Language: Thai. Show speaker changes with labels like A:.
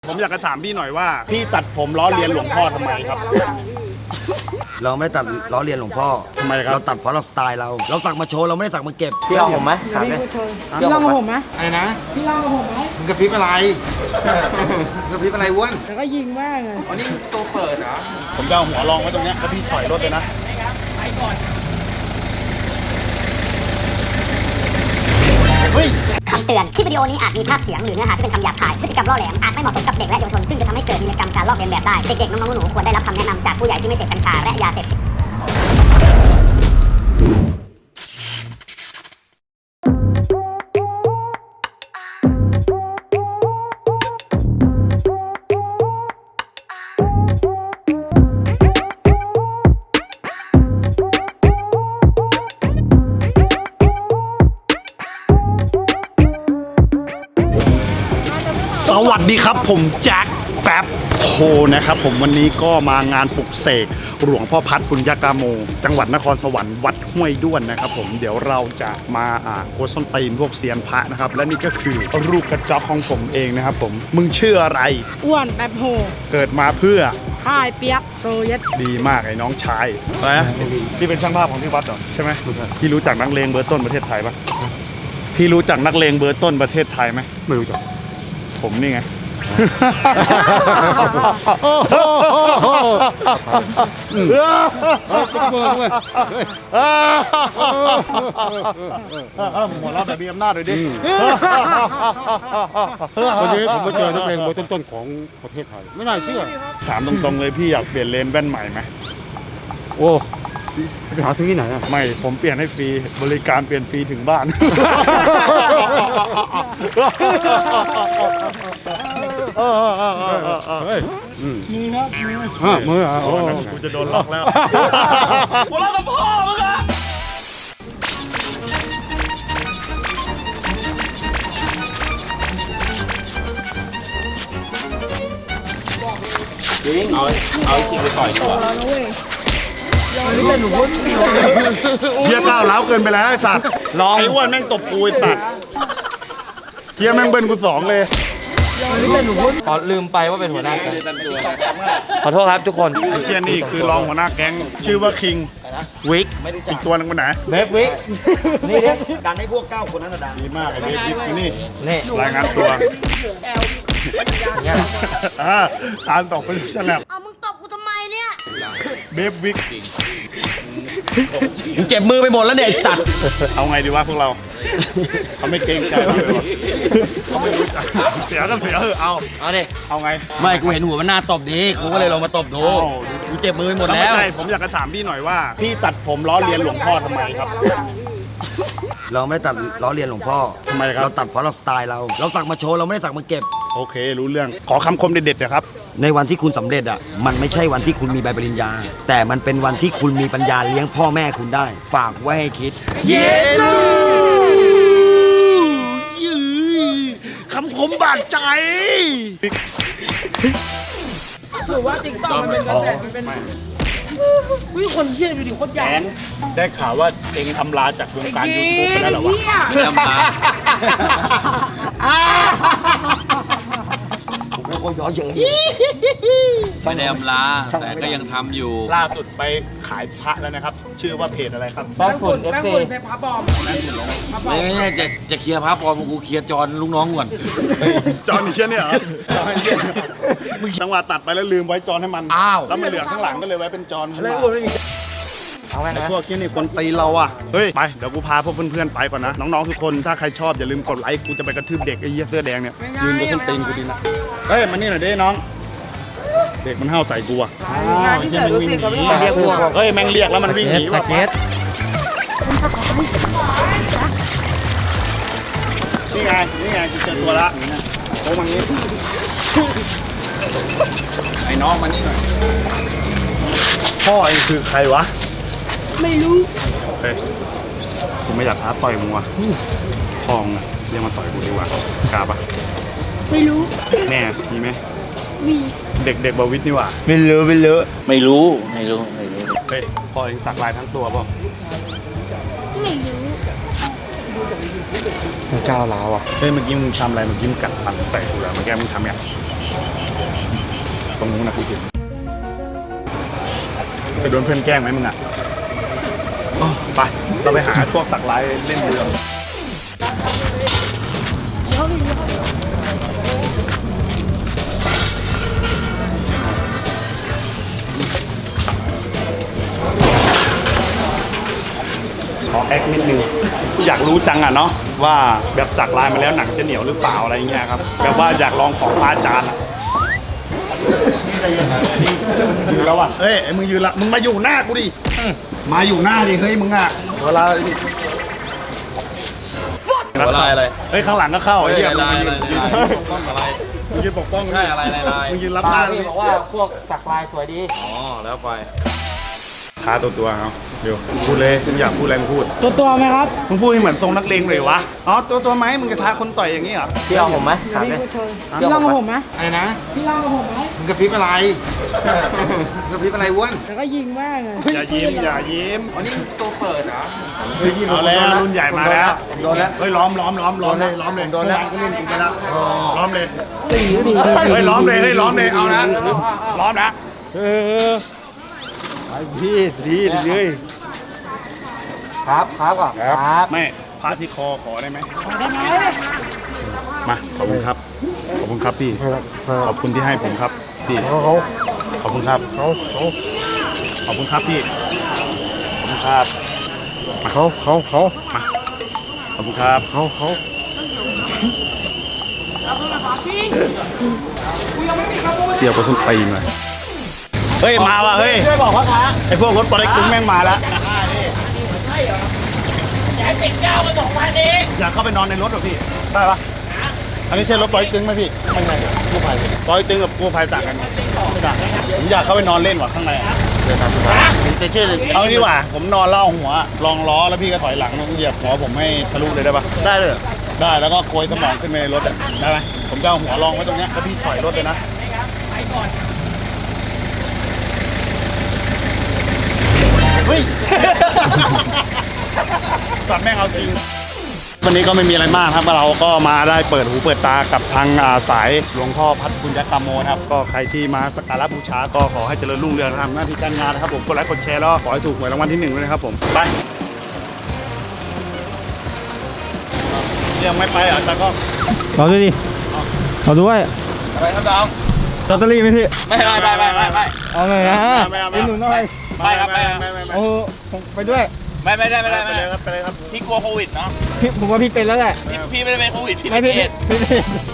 A: ผมอยากจะถามพี่หน่อยว่าพี่ตัดผมล้อเลียนหลวงพ่อทำไมครับ
B: เราไม่ได้ตัดล้อเลียนหลวงพ่อ
A: ทำไมครับ
B: เราตัดเพราะเราสไตล์เราสักมาโชว์เราไม่ได้สักมาเก็บ
C: พี่ลองผมไหมถามเลย
D: พี่ลองกับผมไหม
E: อะไรนะ
D: พี่ลองกับผมไหม
E: มึงกระพริบอะไรกระพริบอะไรอ้วน
D: แล้วก็ยิงมากเลย
E: อ๋อนี่ตัวเปิดเหรอ
A: ผมจะเอาหัวรองไว้ตรงเนี้ยแล้วพี่ถอยรถเลยนะ
F: คำเตือน คลิปวิดีโอนี้อาจมีภาพเสียงหรือเนื้อหาที่เป็นคำหยาบคาย พฤติกรรมล่อแหลม อาจไม่เหมาะสมกับเด็กและเยาวชน ซึ่งจะทำให้เกิดวีรกรรมการลอกเลียนแบบได้ เด็กๆ น้องๆ หนูๆ ควรได้รับคำแนะนำจากผู้ใหญ่ที่ไม่เสพกัญชาและยาเสพติด
A: สวัสดีครับผมแจ็คแป๊บโฮนะครับผมวันนี้ก็มางานปลุกเสกหลวงพ่อพัดปุญญากาโมจังหวัดนครสวรรค์วัดห้วยด้วนนะครับผมเดี๋ยวเราจะมาโกส้นตีนพวกเซียนพระนะครับและนี่ก็คือรูปกระจอกของผมเองนะครับผมมึงชื่ออะไร
D: อ้วนแบบโห
A: เกิดมาเพื่อ
D: ค่ายเปียกโซเยต
A: ดีมากไอ้น้องชายนะพี่เป็นช่างภาพของที่วัดเหรอใช่ไหมพี่รู้จักนักเลงเบอร์ต้นประเทศไทยปะพี่รู้จักนักเลงเบอร์ต้นประเทศไทยไหมไม่รู้จักผมนี่ไงหัวเราะแบบมีอำนาจเลยดิ
G: วันนี้ผมมาเจอนักเลงเบอร์ต้นๆของประเทศไทยไม่น่าเชื่อ
A: ถามตรงๆเลยพี่อยากเปลี่ยนเลนส์แว่นใหม่ไหม
G: โอ้ไปหาซื้อที่ไหนอ่ะ
A: ไม่ผมเปลี่ยนให้ฟรีบริการเปลี่ยนฟรีถึงบ้าน
G: มือครับมือโอ้
A: กูจะโดนล็อกแล้วกูล็อกกับพ่อมึงอะ
C: จริงเอาจริงไปต่อยดีกว่า
A: เฮียก้าวร้าวเกินไปแล้วไอ้สัตว์ไอ้อ้วนแม่งตบกูไอ้สัตว์เฮียแม่งเบิ้ลกูสองเลย
C: ขอลืมไปว่าเป็นหัวหน้าแก๊งขอโทษครับทุกคน
A: ไอ้เชี่ยนี่คือรองหัวหน้าแก๊งชื่อว่าคิง
C: วิก
A: อีกตัวนึงคนไหน
C: เบฟวิก
B: นี่ดันให้พวก9 คนนั้นดัง
A: ดีมากไอ้เบฟวิกนี่
C: นี่
A: รายงานตัวการตกเป็นฉลับ
F: เอามึงตบกูทำไมเนี่ย
A: เบฟวิก
C: มึงเจ็บมือไปหมดแล้วเนี่ยไอ้สัตว์
A: เอาไงดีวะพวกเราเขาไม่เกรงใจเขาไม่รู้จักเสียก็เสียเอา
C: ดิ
A: เอาไง
C: ไม่กูเห็นหัวมันหน้าตบดีกูก็เลยลองมาตบดูกูเจ็บมือไปหมดแล้ว
A: ผมอยากจะถามพี่หน่อยว่าพี่ตัดผมล้อเลียนหลวงพ่อทำไมครับ
B: เราไม่ได้ตัดล้อเลียนหลวงพ่อ
A: ทำไมครับ
B: เราตัดเพราะเราสไตล์เราสักมาโชว์เราไม่ได้สักมาเก็บ
A: โอเครู้เรื่องขอคำคมเด็ดๆนะครับ
B: ในวันที่คุณสำเร็จอ่ะมันไม่ใช่วันที่คุณมีใบปริญญาแต่มันเป็นวันที่คุณมีปัญญาเลี้ยงพ่อแม่คุณได้ฝากไว้ให้คิด
A: เย้คำคมบาดใจ
D: หรือว่าติ๊กต็อกมันเป็นกระแสมันเป็นวิคนเชี่ยดูดิโคตรใหญ่
A: ได้ข่าวว่าเองอำลาจากวงการยูทูบไปแล้วเหรอวะ
C: ไม่อำลา
B: ผมไม่ค่อยย้อนเยอะ
C: ไม่ได้อำลาแต่ก็ยังทำอยู่
A: ล่าสุดไปขายพระแล้วนะครับชื่อว่าเพจอะไรครับ
C: แป้งฝุ่น
D: FC แป้งพระบอม
C: ไม่ใช่จะเคลียร์พระปลอมกูเคลียร์จอนลูกน้องก่อน
A: จอนนี่เชี่ยเนี่ยเหรอมึงจังหวะตัดไปแล้วลืมไว้จอนให้มันแล้วมันเหลือข้างหลังก็เลยไว้เป็นจอนเอาไงนะพวกที่นี่คนตีเราอ่ะเฮ้ยไปเดี๋ยวกูพาพวกเพื่อนๆไปก่อนนะน้องๆทุกคนถ้าใครชอบอย่าลืมกดไลค์กูจะไปกระทืบเด็กไอ้เหี้ยเสื้อแดงเนี่ยยืนบนส้นตีนกูดีนะเฮ้ยมานี่หน่อยดิน้องเด็กมันเห่าใส่กูอ่ะเฮียมันวิ่งหนีเฮ้ยแม่งเรียกแล้วมันวิ่งหนีว่ะนี่ไงกูเจอตัวละโอ้มันนี้ไอ้น้องมานี่หน่อยพ่อเองคือใครวะ
D: ไม่รู้
A: เฮ้ยกูไม่อยากท้าต่อยมึงว่ะพ่อมึงอะเรียกมาต่อยกูดีกว่ากล้าปะ
D: ไม่รู้
A: แน่มีไหม
D: มี
A: เด็กบวิทนี่ว่ะ
C: ไม่รู้เ
A: ฮ้ยพ่อเองสักลายทั้งตัวป่ะ
D: ไม่รู้
C: มันก้าวร้าวอ่ะ
A: เฮ้ยเมื่อกี้มึงทำอะไรเมื่อกี้มึงกัดฟันใส่กูแล้วเมื่อกี้มึงทำไงตรงนู้นนะกูเห็นไปโดนเพื่อนแกล้งไหมมึงอ่ะไปเราไปหาพวกสักลายเล่นเรือขอแอคนิดนึงอยากรู้จังอ่ะเนาะว่าแบบสักลายมาแล้วหนังจะเหนียวหรือเปล่าอะไรเงี้ยครับแบบว่าอยากลองของพระอาจารย์ยืนแล้วอ่ะเฮ้ยไอ้มึงยืนละมึงมาอยู่หน้ากูดิมาอยู่หน้าดิเฮ้ยมึงอ่ะเวลาดิ
C: อะไร
A: เฮ้ยข้างหลังก็เข้าไอ้เหี้ย
C: อะไร
A: มึงยืนปกป้อง
C: ใช่อะไร
A: มึงยืนรับหน้า
C: พี่บอกว่าพวกสักลายสวยดีอ๋อแล้วไป
A: ท้าตัวเอาเดี๋ยวพูดเลยมึงอยากพูดอะไรมึงพูด
D: ตัวไหมครับ
A: มึงพูดให้เหมือนทรงนักเลงเลยวะอ๋อตัวไหมมึงจะท้าคนต่อยอย่างนี้เหรอ
C: พี่เอาผมไหมถามเลย
D: พี่ลองกับผมไหม
E: อะไรนะ
D: พี่ลองกับผมไหม
E: มึงกระพริบอะไรมึงกระพริบอะไรอ้วน
D: แล้วก็ยิงแม่งเลย
A: อย่ายิ้ม
E: อ๋อนี่ตัวเปิดเหรอ
A: เอาแล้วรุ่นใหญ่มาแล้ว
E: โดนแล้ว
A: เฮ้ยล้อมเลยโดนแล้วก็เล่นกินไปแล้วล้อมเลย
D: ตีดิ
A: เฮ้ยล้อมเลยเอานะล้อมนะ
C: ครับก่อนครับ
A: ไม่พระที่คอขอได้ไหม
D: ได้ไหม
A: มาขอบคุณครับพี่ขอบคุณที่ให้ผมครับพี่ขอบคุณครับขอบคุณครับพี่ขอบคุณครับมามาขอบคุณครับเดี๋ยวก็ส้นตีนเลยเฮ้ยมาว่ะเฮ้ยช่วยบอกว่าคะไอพวกรถปอเล็กตึงแม่งมาแล้วอยากเข้าไปนอนในรถเหรอพี่ได้ปะอันนี้ใช่รถปอเล็กตึงไหมพี่ไม่ใช่กู้ภัยปอเล็กตึงกับกู้ภัยต่างกันไม่ต่างผมอยากเข้าไปนอนเล่นว่ะข้างในเอาดีกว่าผมนอนเล่าหัวลองล้อแล้วพี่ก็ถอยหลังเหยียบหัวผมให้ทะลุเลยได้ปะได้เลยได้แล้วก็โกยสมองขึ้นไปในรถได้ไหมผมจะเอาหัวรองไว้ตรงนี้แล้วพี่ถอยรถเลยนะเฮ้ย สัตว์แม่งเอาจริงวันนี้ก็ไม่มีอะไรมากครับเราก็มาได้เปิดหูเปิดตากับทางสายหลวงพ่อพัฒบุญยกรรมโมนะครับก็ใครที่มาสักการะบูชาก็ขอให้เจริญรุ่งเรืองทำหน้าที่การงานนะครับผมกดไลค์กดแชร์แล้วขอให้ถูกหวยรางวัลที่ 1ด้วยนะครับผมไปยังไม่ไปอ่ะแต่ก็
C: เอาด้วยดิเอาด้วย
A: อะไรครับดาว
C: ลอตเตอรี่ไหมพี่
A: ไม่
C: เอาหน่อยนะเป็นหนูหน่อย
A: ไม่ครับไม่
C: โอ้ไปด้วย
A: ไม่ได้ไปเลยครับพี่กลัวโควิดเนาะ
C: ผมว่าพี่เป็นแล้วแหละ
A: พี่ไม่ได้เป็นโควิดพี่
C: ไม่
A: เป็น
C: พี่
A: เอดส์